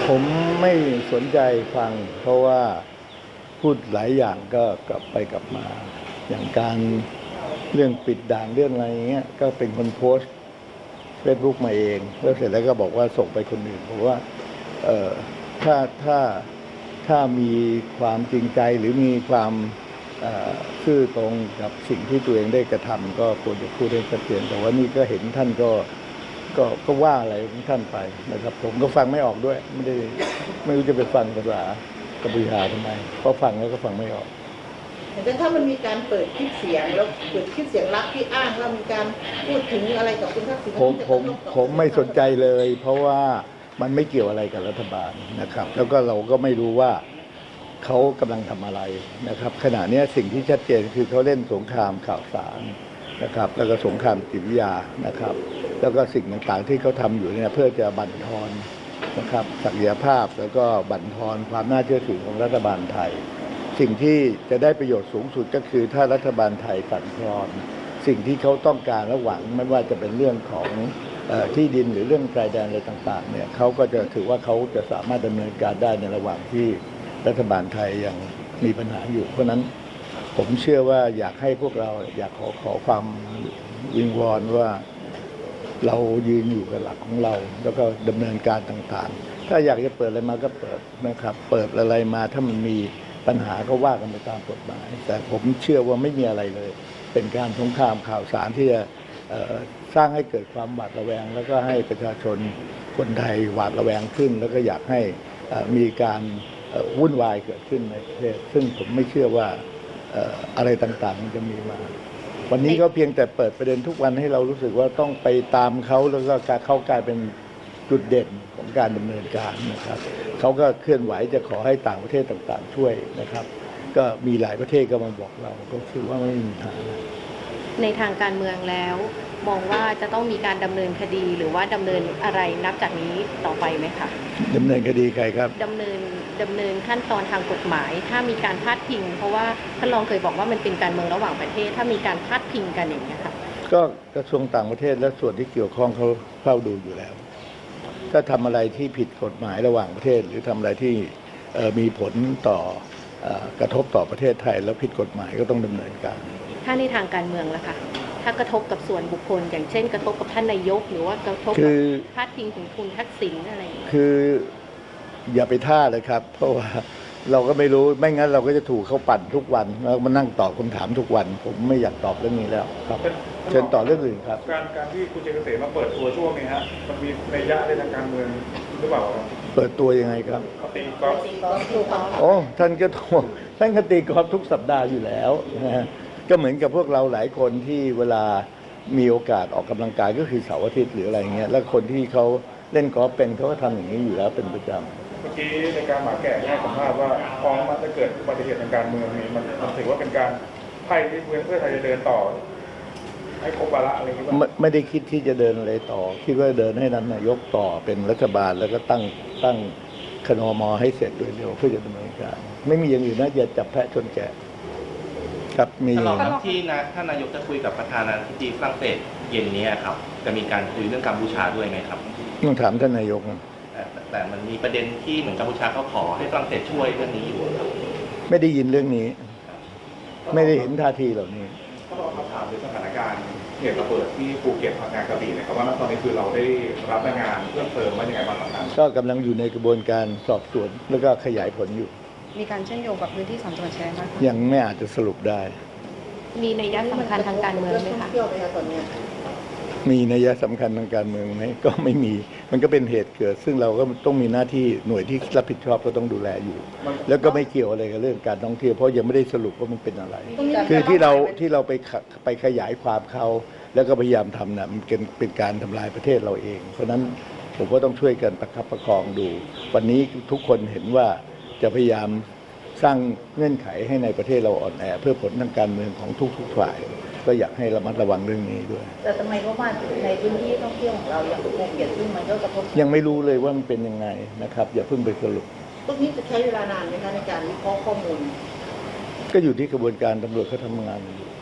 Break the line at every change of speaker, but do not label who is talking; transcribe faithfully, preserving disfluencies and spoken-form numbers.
ผมไม่สนใจฟังเพราะว่าพูดหลายอย่างก็กลับไปกลับมาอย่างการเรื่องปิดด่านเรื่องอะไรเงี้ยก็เป็นคนโพสต์เฟซบุ๊กมาเองแล้วเสร็จแล้วก็บอกว่าส่งไปคนอื่นผมว่าเอ่อถ้าถ้าถ้ามีความจริงใจหรือมีความซื่อตรงกับสิ่งที่ตัวเองได้กระทำก็ควรจะพูดให้ชัดเจนแต่ว่านี่ก็เห็นท่านก็ก็ก็ว่าอะไรของท่านไปนะครับผมก็ฟังไม่ออกด้วยไม่ได้ไม่รู้จะไปฟังภาษากัมพูชาทำไมเพราะฟังแล้วก็ฟังไม่ออก
แต่ถ้ามันมีการเปิดคลิปเสียงแล้วเปิดคลิปเสียงลับที่อ้างว่ามีการพูดถึงอะไรกับคุณทักษิณ
ผมผมผมไม่สนใจเลย เพราะว่ามันไม่เกี่ยวอะไรกับรัฐบาลนะครับแล้วก็เราก็ไม่รู้ว่าเขากำลังทำอะไรนะครับขณะนี้สิ่งที่ชัดเจนคือเขาเล่นสงครามข่าวสารนะครับแล้วก็สงครามจิตวิทยานะครับแล้วก็สิ่งต่างๆที่เขาทำอยู่เนี่ยเพื่อจะบั่นทอนนะครับศักยภาพแล้วก็บั่นทอนความน่าเชื่อถือของรัฐบาลไทยสิ่งที่จะได้ประโยชน์สูงสุดก็คือถ้ารัฐบาลไทยสั่นคลอนสิ่งที่เขาต้องการและหวังไม่ว่าจะเป็นเรื่องของที่ดินหรือเรื่องชายแดนอะไรต่างๆเนี่ยเขาก็จะถือว่าเขาจะสามารถดำเนินการได้ในระหว่างที่รัฐบาลไทยยังมีปัญหาอยู่เพราะนั้นผมเชื่อว่าอยากให้พวกเราอยากขอขอความวิงวอนว่าเรายืนอยู่กับหลักของเราแล้วก็ดำเนินการต่างๆถ้าอยากจะเปิดอะไรมาก็เปิดนะครับเปิดอะไรมาถ้ามันมีปัญหาก็ว่ากันไปตามกฎหมายแต่ผมเชื่อว่าไม่มีอะไรเลยเป็นการสงครามข่าวสารที่จะสร้างให้เกิดความหวาดระแวงแล้วก็ให้ประชาชนคนไทยหวาดระแวงขึ้นแล้วก็อยากให้มีการวุ่นวายเกิดขึ้นในประเทศซึ่งผมไม่เชื่อว่าอะไรต่างๆมันจะมีมาวันนี้ก็เพียงแต่เปิดประเด็นทุกวันให้เรารู้สึกว่าต้องไปตามเขาแล้วก็การเขากลายเป็นจุดเด่นของการดำเนินการนะครับเขาก็เคลื่อนไหวจะขอให้ต่างประเทศต่างๆช่วยนะครับก็มีหลายประเทศก็มาบอกเราก็คือว่าไม่มีปัญหา
ในทางการเมืองแล้วมองว่าจะต้องมีการดำเนินคดีหรือว่าดำเนินอะไรนับจากนี้ต่อไปไหมคะ
ดำเนินคดีใครครับ
ดำเนินดำเนินขั้นตอนทางกฎหมายถ้ามีการพาดพิงเพราะว่าท่านรองเคยบอกว่ามันเป็นการเมืองระหว่างประเทศถ้ามีการพาดพิงกันอย่างนี้ค่ะ
ก็กระทรวงต่างประเทศและส่วนที่เกี่ยวข้องเขาเฝ้าดูอยู่แล้วถ้าทำอะไรที่ผิดกฎหมายระหว่างประเทศหรือทำอะไรที่มีผลต่อกระทบต่อประเทศไทยแล้วผิดกฎหมายก็ต้องดำเนินการ
ถ้าในทางการเมืองล่ะคะถ้ากระทบกับส่วนบุคคลอย่างเช่นกระทบกับท่านนายกหรือว่ากระทบกับพาดพิงถึงคุณทักษิณอะไรอย่างนี้
คืออย่าไปท่าเลยครับเพราะว่าเราก็ไม่รู้ไม่งั้นเราก็จะถูกเขาปั่นทุกวันแล้วมานั่งตอบคำถามทุกวันผมไม่อยากตอบเรื่องนี้แล้วครับเชิญต่อเรื่องอื่นครับ
การการที่คุณเจเกษมมาเปิดตัวช่วงนี้ฮะมันมีนัยยะในทางการเมืองหรือเปล่า
เปิดตัวยังไงครับ
ตีกอล์ฟ
โอ้ท่านก็ท่วงท่านก็ตีกอล์ฟทุกสัปดาห์อยู่แล้วนะฮะก็เหมือนกับพวกเราหลายคนที่เวลามีโอกาสออกกำลังกายก็คือเสาร์อาทิตย์หรืออะไรเงี้ยแล้วคนที่เขาเล่นกอล์ฟเป็นเขาก็ทำอย่างนี้อยู่แล้วเป็นประจำ
เมื่อกี้ในการหมาแก่ให้สัมภาษณ์ว่าพอมันจะเกิดอุบัติเหตุทางการเมืองนี่มันมันถือว่าเป็นการไพ่ที่เพื่อเพื่อไทยจะเดินต่อให้ครบวาระอะไรอย่างนี้
ไม่ไม่ได้คิดที่จะเดินอะไรต่อคิดว่าเดินให้นั้นนายกต่อเป็นรัฐบาลแล้วก็ตั้งตั้งคณมให้เสร็จโดยเร็วเพื่อจะดำเนินการไม่มีอย่างอื่นนะอย่าจับแพะชนแกะครับมี
ที่นะท่านนายกจะคุยกับประธานาธิบดีฝรั่งเศสเย็นนี้ครับจะมีการคุยเรื่องกัมพูชาด้วยไหมครับ
ต้องถามท่านนายก
แต่มันมีประเด็นที่เหมือนกัมพูชาเขาขอให้ฝรั่งเศสช่วยเรื่องนี้อยู่ครับ
ไม่ได้ยินเรื่องนี้ไม่ได้เห็นท่าทีเหล่านี้
ก็ลองถามถึงสถานการณ์เหตุระเบิดที่ภูเก็ตพังงากระบี่นะครับว่าตอนนี้คือเราได้รับรายงานเพิ่มเติมว่าอย่างไรบ้างครับ
ก็กำลังอยู่ในกระบวนการสอบสวนแล้วก็ขยายผลอยู่
มีการเชื่อมโยงกับพื้นที่สามจังหวัดชายแดน
ยังไม่อาจจะสรุปได้
มีนัยยะสำคัญทางการเมืองไหมคะ
มีนัยยะสำคัญทางการเมืองไหมก็ไม่มีมันก็เป็นเหตุเกิดซึ่งเราก็ต้องมีหน้าที่หน่วยที่รับผิดชอบก็ต้องดูแลอยู่แล้วก็ไม่เกี่ยวอะไรกับเรื่องการท่องเที่ยวเพราะยังไม่ได้สรุปว่ามันเป็นอะไรคือที่เราที่เราไปไปขยายความเขาแล้วก็พยายามทำน่ะมันเป็นเป็นการทำลายประเทศเราเองเพราะนั้นผมก็ต้องช่วยกันประคับประคองดูวันนี้ทุกคนเห็นว่าจะพยายามสร้างเงื่อนไขให้ในประเทศเราอ่อนแอเพื่อผลทางการเมืองของทุกๆฝ่ายก็อยากให้ระมัดระวังเรื่องนี้ด้วย
แต่ทำไมเพราะว่าในพื้นที่ท่องเที่ยวของเราอย่างภูเก็ตซึ่งมันก็กระทบ
ยังไม่รู้เลยว่ามันเป็นยังไงนะครับอย่าเพิ่งไปสรุป
ตรงนี้จะใช้เวลานานไหมคะในการวิเคราะห์ข้อมูล
ก็อยู่ที่กระบวนการตำรวจเขาทำงานอยู่